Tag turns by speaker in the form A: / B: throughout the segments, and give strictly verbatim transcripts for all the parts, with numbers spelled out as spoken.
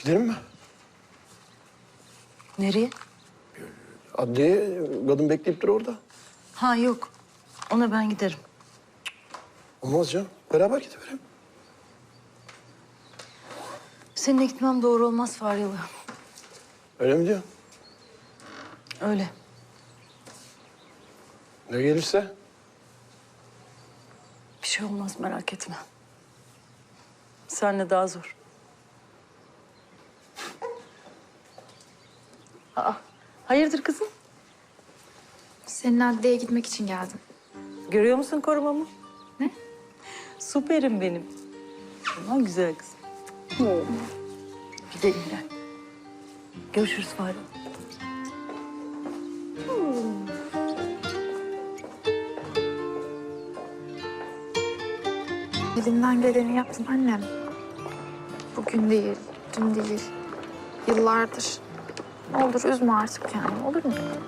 A: Gidelim mi?
B: Nereye?
A: Adliye, kadın bekleyip dur orada.
B: Ha yok. Ona ben giderim.
A: Olmaz canım. Beraber gidelim.
B: Seninle gitmem doğru olmaz Faryalı.
A: Öyle mi diyorsun?
B: Öyle.
A: Ne gelirse?
B: Bir şey olmaz merak etme. Seninle daha zor. Aa, hayırdır kızım?
C: Senin adliyeye gitmek için geldim.
B: Görüyor musun korumamı? Ne? Süperim benim. Aman güzel kızım. Gidelim gel. Görüşürüz Faryalı.
C: Elimden geleni yaptım annem. Bugün değil, dün değil. Yıllardır. Ne olur üzme artık kendini, olur mu?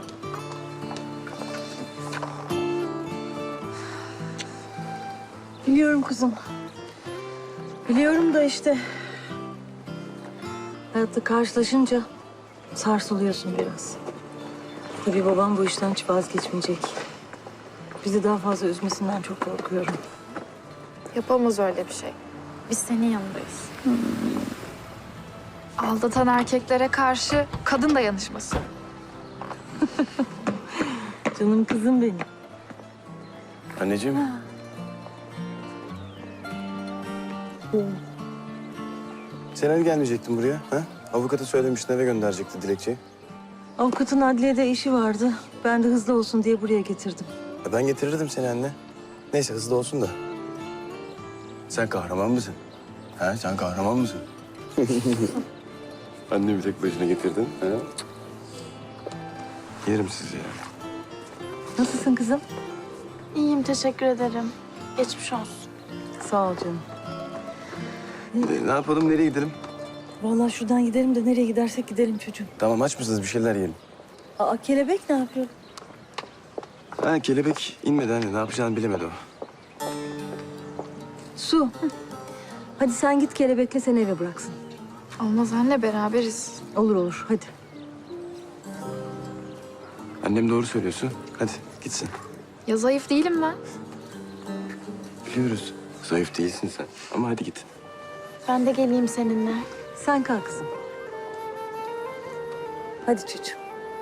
B: Biliyorum kızım. Biliyorum da işte... hayatta karşılaşınca sarsılıyorsun biraz. Tabii babam bu işten hiç vazgeçmeyecek. Bizi daha fazla üzmesinden çok korkuyorum.
C: Yapamaz öyle bir şey. Biz senin yanındayız. Aldatan erkeklere karşı kadın dayanışması.
B: Canım kızım benim.
A: Anneciğim. Sen hani gelmeyecektin buraya? Ha? Avukatı söylemiştin, eve gönderecekti dilekçeyi.
B: Avukatın adliyede işi vardı. Ben de hızlı olsun diye buraya getirdim.
A: Ya ben getirirdim seni anne. Neyse hızlı olsun da. Sen kahraman mısın? Ha? Sen kahraman mısın? Annemi tek başına getirdin. Ha? Yerim sizi ya.
B: Nasılsın kızım?
C: İyiyim, teşekkür ederim. Geçmiş olsun.
B: Sağ ol canım.
A: E, ne yapalım, nereye gidelim?
B: Vallahi şuradan gidelim de nereye gidersek gidelim çocuğum.
A: Tamam, aç mısınız? Bir şeyler yiyelim.
B: Aa, kelebek ne yapıyor?
A: Ha, kelebek inmedi anne. Ne yapacağını bilemedi o.
B: Su. Hadi sen git kelebekle seni eve bıraksın.
C: Olmaz anne, beraberiz.
B: Olur olur hadi.
A: Annem doğru söylüyorsun. Hadi gitsin.
C: Ya zayıf değilim ben.
A: Biliyoruz. Zayıf değilsin sen. Ama hadi git.
C: Ben de geleyim seninle.
B: Sen kalk kızım. Hadi çocuğum.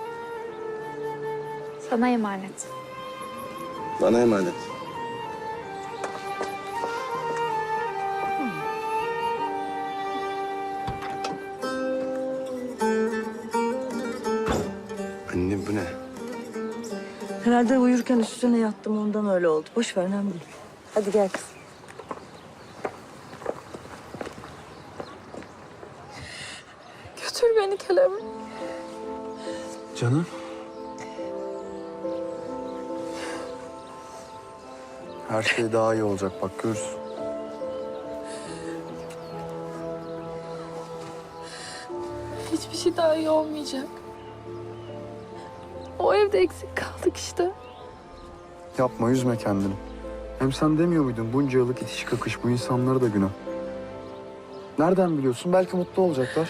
C: Sana emanet.
A: Bana emanet. Anne bu ne?
B: Herhalde uyurken üstüne yattım ondan öyle oldu. Boş ver önemli değil. Hadi gel kızım.
C: Götür beni kelebek.
A: Canım.
D: Her şey daha iyi olacak bak görürsün.
C: Hiçbir şey daha iyi olmayacak. O evde eksik kaldık işte.
D: Yapma üzme kendini. Hem sen demiyor muydun bunca yıllık itiş kakış bu insanlara da günah. Nereden biliyorsun? Belki mutlu olacaklar.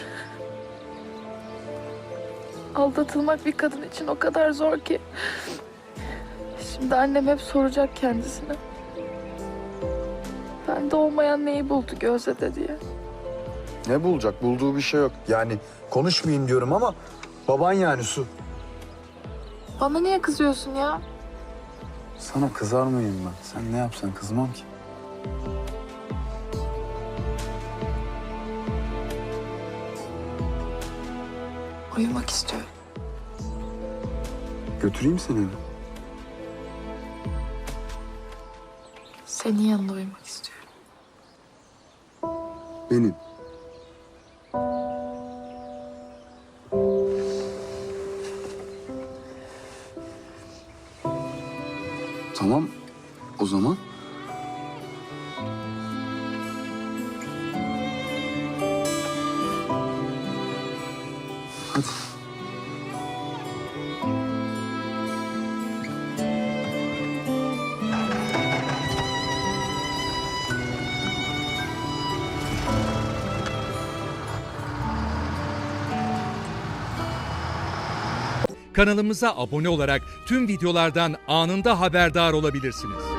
C: Aldatılmak bir kadın için o kadar zor ki. Şimdi annem hep soracak kendisine. Bende olmayan neyi buldu Gözde'de diye.
D: Ne bulacak? Bulduğu bir şey yok. Yani konuşmayın diyorum ama baban yani Su.
C: Bana niye kızıyorsun ya?
D: Sana kızar mıyım ben? Sen ne yapsan kızmam ki.
C: Uyumak istiyorum.
D: Götüreyim seni eve.
C: Senin yanında uyumak istiyorum.
D: Benim. Tamam. O zaman hadi.
E: Kanalımıza abone olarak tüm videolardan anında haberdar olabilirsiniz.